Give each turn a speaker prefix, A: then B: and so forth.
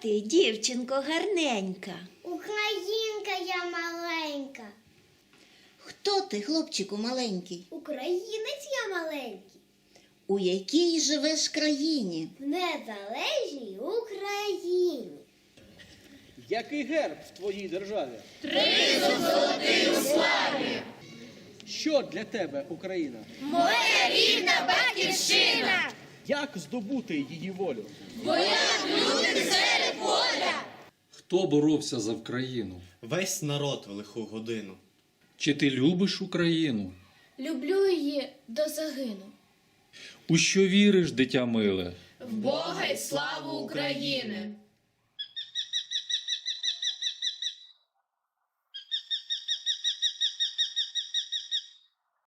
A: ти, дівчинко гарненька?
B: Українка я маленька.
C: Хто ти, хлопчику маленький?
B: Українець я маленький.
C: У якій живеш країні?
B: В незалежній Україні.
D: Який герб в твоїй державі?
E: Тризуб золотий у славі.
D: Що для тебе Україна?
E: Моя рідна батьківщина.
D: Як здобути її волю?
E: Бо як люди серед поля.
F: Хто боровся за Вкраїну?
G: Весь народ в лиху годину.
F: Чи ти любиш Україну?
H: Люблю її до загину.
F: У що віриш, дитя миле?
E: В Бога й славу України.